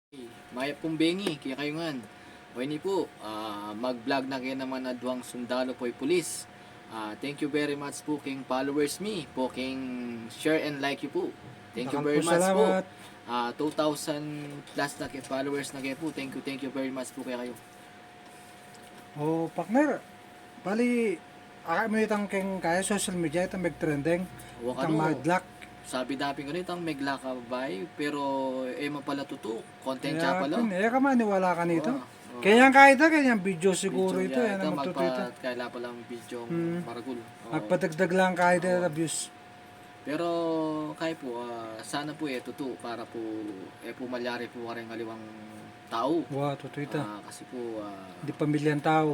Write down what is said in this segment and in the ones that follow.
Maya pong bengi, kaya kayo nga. O ini po, mag-vlog na kayo naman na duwang sundalo po'y pulis. Thank you very much po king followers me, po king share and like you po. Thank you very much po. 2,000 plus na kayo followers na kayo po. Thank you very much po kaya kayo. Oh, partner. Bali, mo itang keng kaya social media itang mag-trending. Huwag Itang ano, madlock. sabi dapin ko nito ang megla ka bay, pero mapala tuto, content siya pala. Kaya ka maniwala ka nito. Oo. Kaya kahit kanyang video siguro ito. Yan ang magtututo. Kaya pala ang video maragul. Oo. Magpadagdag lang kahit na views. Pero kaya po, sana po tuto para po pumalyari po rin ngaliwang tao. Wow, totoo ito. Kasi po, Di pamilyang tao.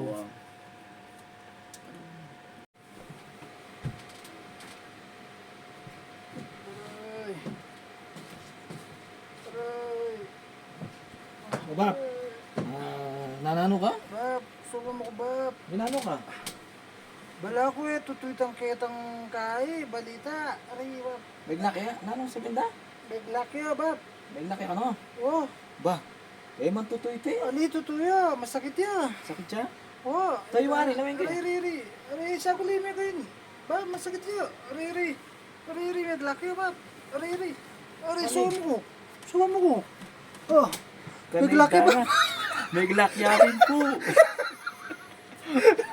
Bab, nanano ka? Bab, suko mo ko bab. Ginano ka? Bala ko tututang ketang kay balita. Ari bab. Bigla kaya? Nanong sa binda? Bigla kaya bab. Bigla kaya ka no? Oh, Ba, man tutoy ito ali tutuya, masakit ya. Sakit siya? Oh, Tayo wari, lawin ka. Ari, sa kulime ko yun. Bab, masakit ya. Ari, bigla kaya bab. Ari, sumo ko. Oh, bigla kaya bab. Bigla kaya rin po.